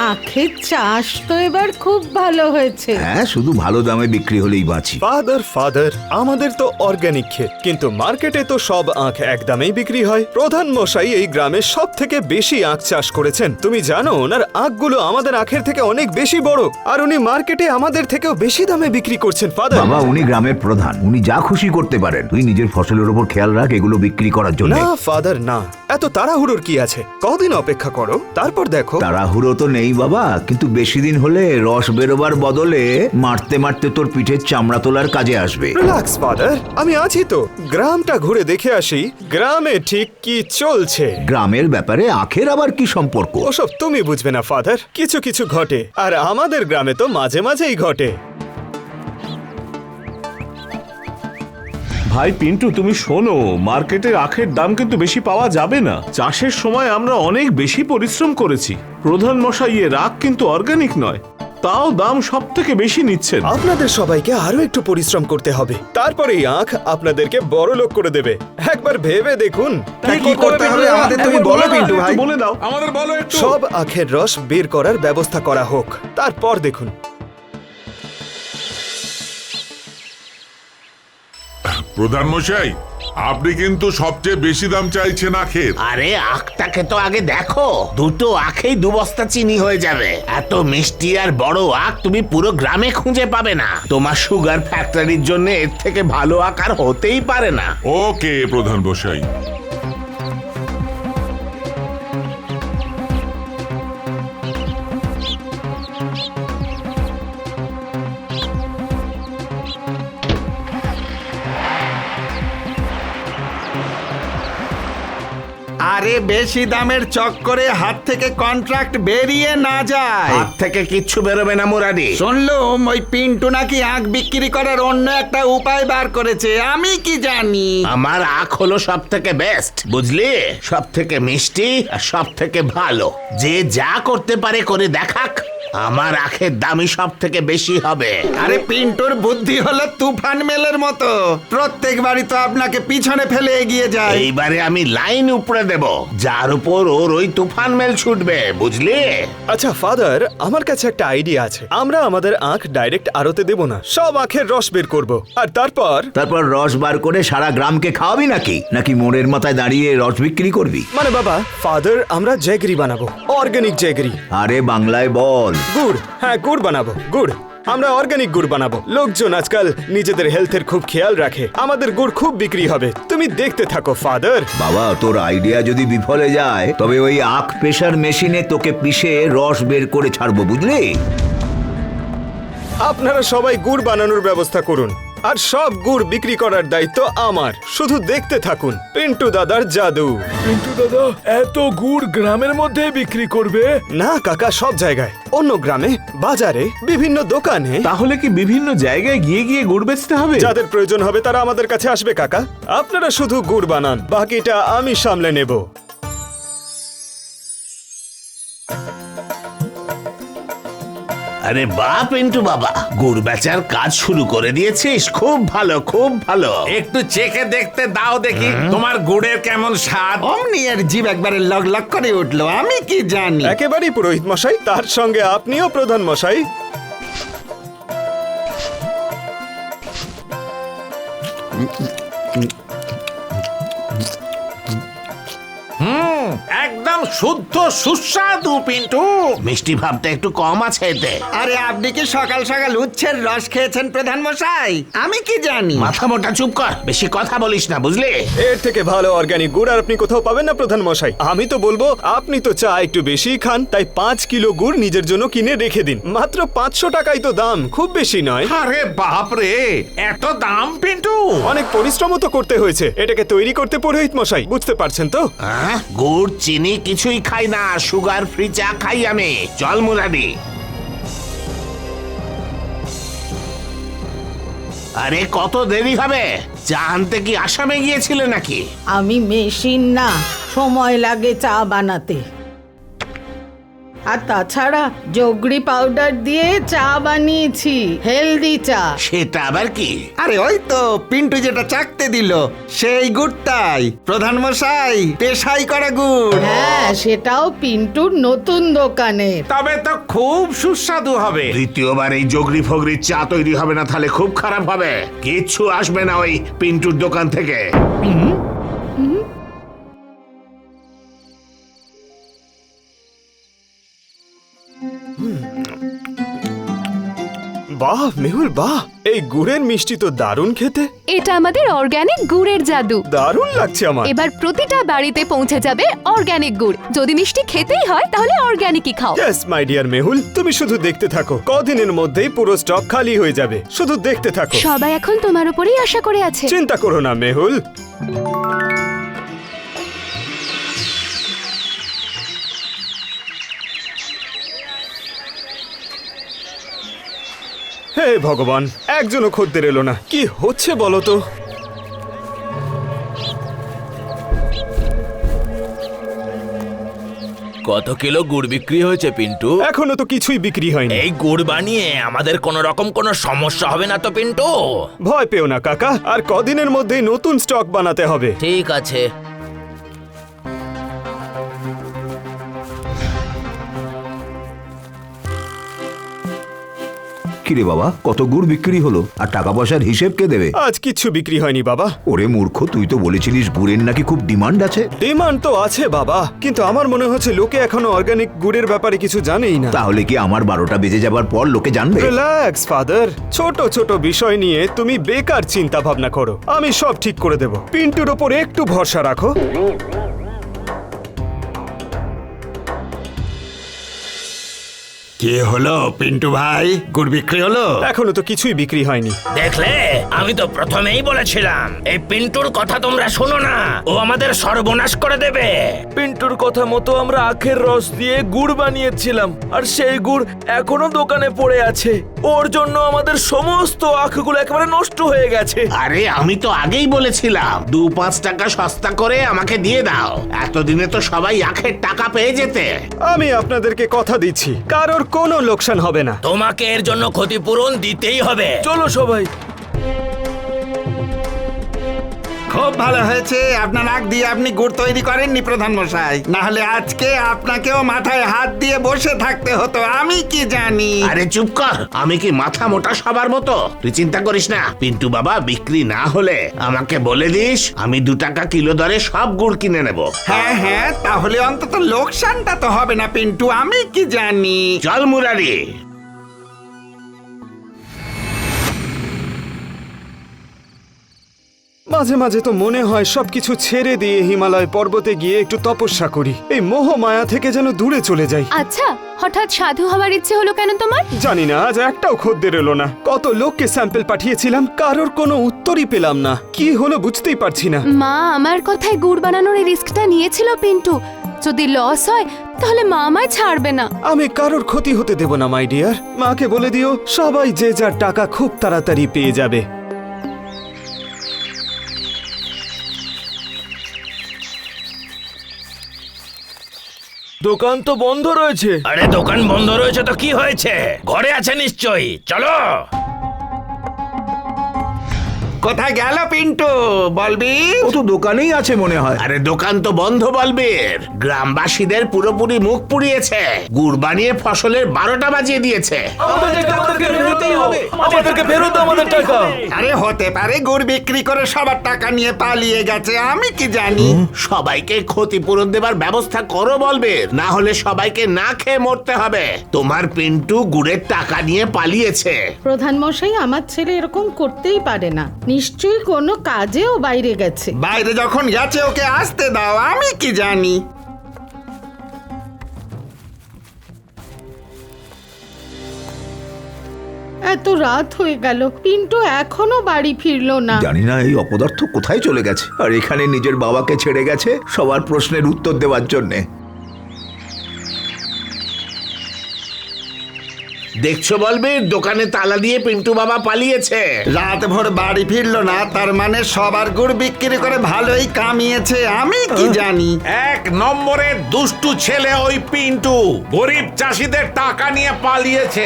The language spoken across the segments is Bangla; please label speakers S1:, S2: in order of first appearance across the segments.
S1: আখের চাষ তো এবার খুব ভালো হয়েছে।
S2: হ্যাঁ, শুধু ভালো দামে বিক্রি হলেই বাঁচি।
S3: ফাদার আমাদের তো অর্গানিক ক্ষেত, কিন্তু মার্কেটে তো সব আখ এক দামেই বিক্রি হয়। প্রধান মশাই এই গ্রামে সব থেকে বেশি আখ চাষ করেছেন। তুমি জানো ওনার আখগুলো আমাদের আখের থেকে অনেক বেশি বড়, আর উনি মার্কেটে আমাদের থেকেও বেশি দামে বিক্রি করছেন। ফাদার,
S2: বাবা, উনি গ্রামের প্রধান, উনি যা খুশি করতে পারেন। তুই নিজের ফসলের উপর খেয়াল রাখ, এগুলো বিক্রি করার জন্য।
S3: না ফাদার না, এত তাড়াহুড়োর কি আছে? কদিন অপেক্ষা করো, তারপর দেখো।
S2: তাড়াহুড়ো তো নেই বাবা, কিন্তু বেশি দিন হলে রস বেরোবার বদলে মারতে মারতে তোর পিঠের চামড়া তোলার কাজে আসবে।
S3: রিল্যাক্স ফাদার, আমি আছি তো। গ্রামটা ঘুরে দেখে আসি গ্রামে ঠিক কি চলছে।
S2: গ্রামের ব্যাপারে আখের আবার কি সম্পর্ক?
S3: ওসব তুমি বুঝবে না ফাদার, কিছু কিছু ঘটে, আর আমাদের গ্রামে তো মাঝে মাঝেই ঘটে।
S4: ভাই পিন্টু, তুমি শোনো, মার্কেটের আখের দাম কিন্তু বেশি পাওয়া যাবে না। চাষের সময় আমরা অনেক বেশি পরিশ্রম করেছি। প্রধান মশাই এর আখ কিন্তু অর্গানিক নয়, তাও দাম সব থেকে বেশি নিচ্ছেন।
S3: আপনাদের সবাইকে আরো একটু পরিশ্রম করতে হবে, তারপরে এই আখ আপনাদেরকে বড় লোক করে দেবে। একবার ভেবে দেখুন
S5: কি করতে হবে আমাদের, তুমি বলো পিন্টু ভাই।
S4: বলে দাও।
S6: আমাদের বলো একটু।
S3: সব আখের রস বের করার ব্যবস্থা করা হোক, তারপর দেখুন।
S6: প্রধান মশাই, আপনি কিন্তু সবচেয়ে বেশি দাম চাইছেন আখের।
S7: আরে আখটাকে তো আগে দেখো, দুটো আখেই 2 বস্তা চিনি হয়ে যাবে। এত মিষ্টি আর বড় আখ তুমি পুরো গ্রামে খুঁজে পাবে না। তোমার সুগার ফ্যাক্টরির জন্য এর থেকে ভালো আখ আর হতেই পারে না।
S6: ওকে প্রধান মশাই।
S5: আরে বেশি দামের চক্করে হাত থেকে কন্ট্রাক্ট বেরিয়ে না যায়।
S7: হাত থেকে কিচ্ছু বেরোবে না মুরাদি।
S5: শুনলুম ওই পিন্টু নাকি আখ বিক্রি করার অন্য একটা উপায় বার করেছে, আমি কি জানি।
S7: আমার আখ হলো সব থেকে বেস্ট, বুঝলি? সব থেকে মিষ্টি আর সব থেকে ভালো। যে যা করতে পারে করে দেখাক, আমার আখের দামই সব থেকে বেশি হবে।
S5: আরে পিন্টুর বুদ্ধি হলো তুফান মেলের মতো, প্রত্যেকবারই তো আপনাকে পিছনে ফেলে এগিয়ে যায়।
S7: এইবারে আমি লাইন উপরে দেব, যার উপর ওর ওই তুফান মেল ছুটবে, বুঝলি?
S3: আচ্ছা ফাদার, আমার কাছে একটা আইডিয়া আছে। আমরা আমাদের আখ ডাইরেক্ট আড়তে দেব না, সব আখের রস বের করব, আর তারপর
S2: রস বার করে সারা গ্রামকে খাওয়াবি নাকি মোড়ের মাথায় দাঁড়িয়ে রস বিক্রি করবি?
S3: মানে বাবা, ফাদার আমরা জ্যাগরি বানাবো, অর্গানিক জ্যাগরি।
S2: আরে বাংলায় বল।
S3: গুড়, হ্যাঁ গুড় বানাবো, গুড়। আমরা অর্গানিক গুড় বানাবো। লোকজন আজকাল নিজেদের হেলথের খুব খেয়াল রাখে, আমাদের গুড় খুব বিক্রি হবে। তুমি দেখতে থাকো ফাদার।
S2: বাবা, তোর আইডিয়া যদি বিফলে যায় তবে ওই আখ পেশার মেশিনে তোকে পিষে রস বের করে ছাড়বো, বুঝলি?
S3: আপনারা সবাই গুড় বানানোর ব্যবস্থা করুন, আর সব গুড় বিক্রি করার দায়িত্ব আমার। শুধু দেখতে থাকুন পিন্টু দাদার জাদু।
S8: পিন্টু দাদা এত গুড় গ্রামের মধ্যে বিক্রি করবে?
S3: না কাকা, সব জায়গায়, অন্য গ্রামে, বাজারে, বিভিন্ন দোকানে।
S4: তাহলে কি বিভিন্ন জায়গায় গিয়ে গিয়ে গুড় বেচতে হবে?
S3: যাদের প্রয়োজন হবে তারা আমাদের কাছে আসবে কাকা। আপনারা শুধু গুড় বানান, বাকিটা আমি সামলে নেব।
S7: আরে বাহ পিন্টু বাবা, গুড় বেচার কাজ শুরু করে দিয়েছিস, খুব ভালো খুব ভালো।
S5: একটু চেখে দেখতে দাও দেখি তোমার গুড়ের কেমন স্বাদ। অমনি এর জিভ একবারে লগ লগ করে উঠলো, আমি কি জানি।
S3: একেবারেই পুরোহিত মশাই, তার সঙ্গে আপনিও প্রধান মশাই।
S7: একদম শুদ্ধ সুস্বাদু পিন্টু। মিষ্টি ভাবটা একটু কম আছে এতে।
S5: আরে আপনি কি সকাল সকাল উচ্ছের রস খেয়েছেন প্রধান মশাই? আমি কি জানি।
S7: মাথা মোটা চুপ কর, বেশি কথা বলিস না, বুঝলি?
S3: এর থেকে ভালো অর্গানিক গুড় আর আপনি কোথাও পাবেন না প্রধান মশাই। আমি তো বলবো আপনি তো চা একটু বেশি খান, তাই 5 কিলো গুড় নিজের জন্য কিনে রেখে দিন। মাত্র 500 টাকাই তো দাম, খুব বেশি নয়।
S7: আরে বাপ রে, এত দাম পিন্টু?
S3: অনেক পরিশ্রমও তো করতে হয়েছে এটাকে তৈরি করতে পুরোহিত মশাই, বুঝতে পারছেন তো?
S7: গুড় চিনি কিছুই খাই না, সুগার ফ্রি চা খাই আমি। চল মুরাদি। আরে কত দেরি হবে? চা আনতে কি আসামে গিয়েছিলে নাকি?
S1: আমি মেশিন না, সময় লাগে চা বানাতে। আর তাছাড়া জগরি পাউডার দিয়ে চা বানিয়েছি, হেলদি চা।
S7: সেটা আবার কি?
S5: আরে ওই তো পিন্টু যেটা চাকতে দিল সেই গুড়টাই প্রধান মশাই, পেশাই করা গুড়।
S1: হ্যাঁ, সেটাও পিন্টুর নতুন দোকানে।
S5: তবে তো খুব সুস্বাদু হবে।
S7: দ্বিতীয়বার এই জগরি ফগরি চা তৈরি হবে না, তাহলে খুব খারাপ হবে। কিচ্ছু আসবে না ওই পিন্টুর দোকান থেকে।
S3: বাহ মেহুল বাহ, এই গুড়ের মিষ্টি তো দারুণ খেতে।
S9: এটা আমাদের অর্গানিক গুড়ের জাদু।
S3: দারুণ লাগছে আমার।
S9: এবার প্রতিটা বাড়িতে পৌঁছে যাবে অর্গানিক গুড়। যদি মিষ্টি খেতেই হয় তাহলে অর্গানিকই খাও।
S3: ইয়েস মাই ডিয়ার মেহুল, তুমি শুধু দেখতে থাকো, কদিনের মধ্যেই পুরো স্টক খালি হয়ে যাবে। শুধু দেখতে থাকো।
S9: সবাই এখন তোমার উপরেই আশা করে আছে।
S3: চিন্তা করো না মেহুল। হে ভগবান, একজনও খদ্দের এলো না। কি হচ্ছে বলো তো?
S10: কত কিলো গুড় বিক্রি হয়েছে পিন্টু?
S3: এখনো তো কিছুই বিক্রি হয়নি।
S10: এই গুড় বানিয়ে আমাদের কোন রকম কোনো সমস্যা হবে না তো পিন্টু?
S3: ভয় পেও না কাকা, আর কদিনের মধ্যেই নতুন স্টক বানাতে হবে।
S10: ঠিক আছে।
S2: কিরে বাবা, কত গুড় বিক্রি হলো? আর টাকা পয়সার হিসেব কে দেবে?
S3: আজ কিচ্ছু বিক্রি হয়নি বাবা।
S2: ওরে মূর্খ, তুই তো বলেছিলিস গুড়ের নাকি খুব ডিমান্ড আছে।
S3: ডিমান্ড তো আছে বাবা, কিন্তু আমার মনে হচ্ছে লোকে এখনো অর্গানিক গুড়ের ব্যাপারে কিছু জানেই না।
S2: তাহলে কি আমার 12টা বেজে যাবার পর লোকে জানবে?
S3: রিল্যাক্স ফাদার, ছোট ছোট বিষয় নিয়ে তুমি বেকার চিন্তা ভাবনা করো। আমি সব ঠিক করে দেব। পিন্টুর ওপর একটু ভরসা রাখো।
S5: কি হলো পিন্টু ভাই, গুড় বিক্রি হলো?
S3: এখনো তো কিছুই বিক্রি হয়নি।
S10: দেখলে, আমি তো প্রথমেই বলেছিলাম এই পিন্টুর কথা তোমরা শোনো না, ও আমাদের সর্বনাশ করে দেবে।
S8: পিন্টুর কথা মতো আমরা আখের রস দিয়ে গুড় বানিয়েছিলাম, আর সেই গুড় এখনো দোকানে পড়ে আছে। ওর জন্য আমাদের সমস্ত আখগুলো একেবারে নষ্ট হয়ে গেছে।
S7: আরে আমি তো আগেই বলেছিলাম 2-5 টাকা সস্তা করে আমাকে দিয়ে দাও, এতদিনে তো সবাই আখের টাকা পেয়ে যেতে।
S3: আমি আপনাদেরকে কথা দিচ্ছি, কারোর কোনো লোকসান হবে না।
S10: তোমাকে এর জন্য ক্ষতিপূরণ দিতেই হবে।
S8: চলো সবাই।
S5: খুব ভালো হয়েছে আপনার আখ দিয়ে আপনি গুড় তৈরি করেননি প্রধান মশাই, না হলে আজকে আপনাকেও মাথায় হাত দিয়ে বসে থাকতে হতো। আমি কি জানি।
S7: আরে চুপ কর, আমি কি মাথা মোটা সবার মতো? তুই চিন্তা করিস না, পিন্টু বাবা বিক্রি না হলে আমাকে বলে দিস, আমি 2 টাকা কিলো দরে সব গুড় কিনে নেব।
S5: হ্যাঁ হ্যাঁ, তাহলে অন্তত লোকসানটা তো হবে না পিন্টু। আমি কি জানি।
S7: চল মুরারি।
S3: মাঝে মাঝে তো মনে হয় সবকিছু ছেড়ে দিয়ে হিমালয় পর্বতে গিয়ে একটু তপস্যা করি, এই মোহ মায়া থেকে যেন দূরে চলে যাই।
S9: আচ্ছা, হঠাৎ সাধু হওয়ার ইচ্ছে হলো কেন তোমার?
S3: জানি না, আজ একটাও খদ্দের এলো না। কত লোককে স্যাম্পল পাঠিয়েছিলাম, কারোর কোনো উত্তরই পেলাম না। কি হলো বুঝতেই পারছি না।
S9: মা আমার কথায় গুড় বানানোর এই রিস্কটা নিয়েছিল পিন্টু। যদি লস হয় তাহলে মা আমায় ছাড়বে না।
S3: আমি কারোর ক্ষতি হতে দেব না মাই ডিয়ার। মাকে বলে দিও সবাই যে যার টাকা খুব তাড়াতাড়ি পেয়ে যাবে।
S8: দোকান তো বন্ধ রয়েছে।
S10: আরে দোকান বন্ধ রয়েছে তো কি হয়েছে? ঘরে আছে নিশ্চয়ই, চলো।
S5: কোথায় গেল পিন্টু বলবি?
S2: ও তো দোকানেই আছে মনে হয়।
S7: আরে দোকান তো বন্ধ বলবীর, গ্রামবাসীদের পুরোপুরি মুখ পুড়িয়েছে। গুড় বানিয়ে ফসলের 12টা বাজিয়ে দিয়েছে।
S8: আমাদেরকে ফেরত দাও আমাদের টাকা।
S5: আরে হতে পারে গুড় বিক্রি করে সবার টাকা নিয়ে পালিয়ে গেছে। আমি কি জানি।
S7: সবাইকে ক্ষতিপূরণ দেবার ব্যবস্থা করো বলবীর, না হলে সবাইকে না খেয়ে মরতে হবে। তোমার পিন্টু গুড়ের টাকা নিয়ে পালিয়েছে।
S1: প্রধান মশাই, আমার ছেলে এরকম করতেই পারে না। নিশ্চয়ই কোনো কাজেও বাইরে গেছে।
S5: বাইরে যখন গেছে ওকে আসতে দাও। আমি কি জানি।
S1: এত রাত হয়ে গেল, পিন্টু এখনো বাড়ি ফিরলো না।
S2: জানি না এই অপদার্থ কোথায় চলে গেছে, আর এখানে নিজের বাবাকে ছেড়ে গেছে সবার প্রশ্নের উত্তর দেওয়ার জন্যে।
S7: দেখছো বলবীর, দোকানে তালা দিয়ে পিন্টু বাবা পালিয়েছে।
S5: রাত ভোর বাড়ি ফিরলো না, তার মানে সবার গুড় বিক্রি করে ভালোই কামিয়েছে। আমি কি জানি।
S11: 1 নম্বরের দুষ্টু ছেলে ওই পিন্টু, গরিব চাষিদের টাকা নিয়ে পালিয়েছে।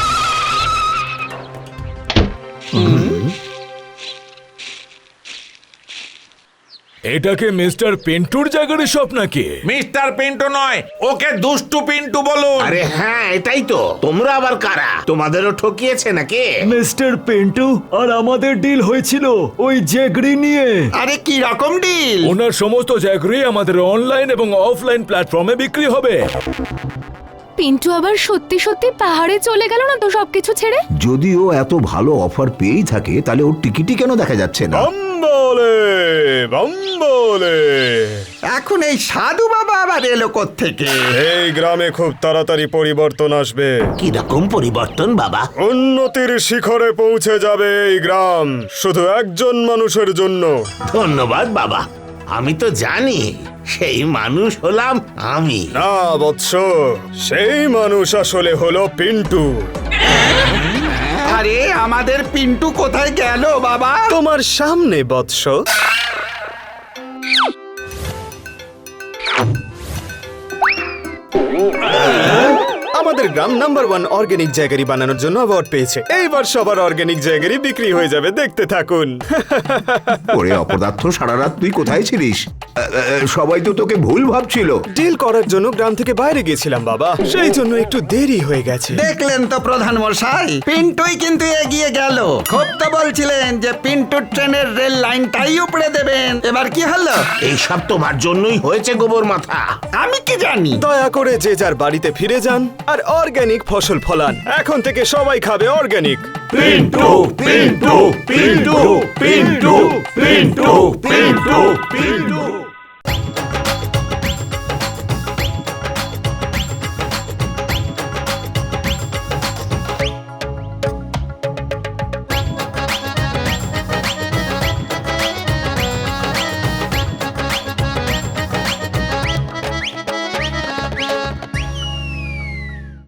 S8: এটাকে মিস্টার পিন্টুর জায়গার সব নাকি?
S11: মিস্টার পিন্টু নয়, ওকে দুষ্টু পিন্টু বলুন।
S7: আরে হ্যাঁ, এটাই তো। তোমরা আবার কারা? তোমাদেরও ঠকিয়েছে নাকি?
S8: মিস্টার পিন্টু আর আমাদের ডিল হয়েছিল ওই জ্যাগরি নিয়ে।
S5: আরে কি রকম ডিল?
S8: ওনার সমস্ত জ্যাগরি আমাদের অনলাইন এবং অফলাইন প্ল্যাটফর্মে বিক্রি হবে।
S9: পিন্টু আবার সত্যি সত্যি পাহাড়ে চলে গেল না তো সবকিছু ছেড়ে?
S2: যদি ও এত ভালো অফার পেয়েই থাকে তাহলে ওর টিকিটই কেন দেখা যাচ্ছে না?
S3: বম্বলে
S5: এখন এই সাধু বাবা আবার এলো কোত্থেকে?
S3: এই গ্রামে খুব তাড়াতাড়ি পরিবর্তন আসবে।
S7: কি রকম পরিবর্তন বাবা?
S3: উন্নতির শিখরে পৌঁছে যাবে এই গ্রাম, শুধু একজন মানুষের জন্য।
S7: ধন্যবাদ বাবা, আমি তো জানি সেই মানুষ হলাম আমি।
S3: না বৎস, সেই মানুষ আসলে হলো পিন্টু।
S5: আরে আমাদের পিন্টু কোথায় গেল বাবা?
S3: তোমার সামনে বৎস। আমাদের গ্রাম নাম্বার 1 অর্গানিক জ্যাগারি বানানোর জন্য অ্যাওয়ার্ড পেয়েছে। এইবার সবার অর্গানিক জ্যাগারি বিক্রি হয়ে যাবে, দেখতে থাকুন।
S2: ওরে অপদার্থ, সারা রাত তুই কোথায় ছিলিস? সবাই তো তোকে ভুল ভাবছিল।
S3: ডিল করার জন্য গ্রাম থেকে বাইরে গেছিলাম বাবা, সেই জন্য একটু দেরি হয়ে গেছে।
S5: দেখলেন তো প্রধান মশাই, পিন্টুই কিন্তু এগিয়ে গেল। খুব তো বলছিলেন যে পিন্টু ট্রেনের রেল লাইনটাই উপড়ে দেবেন, এবার কি হলো?
S7: এইসব তোমার জন্যই হয়েছে গোবর মাথা।
S5: আমি কি জানি।
S3: দয়া করে যে যার বাড়িতে ফিরে যান আর অর্গানিক ফসল ফলান। এখন থেকে সবাই খাবে অর্গানিক।
S11: পিন্টু পিন্টু পিন্টু পিন্টু পিন্টু পিন্টু পিন্টু।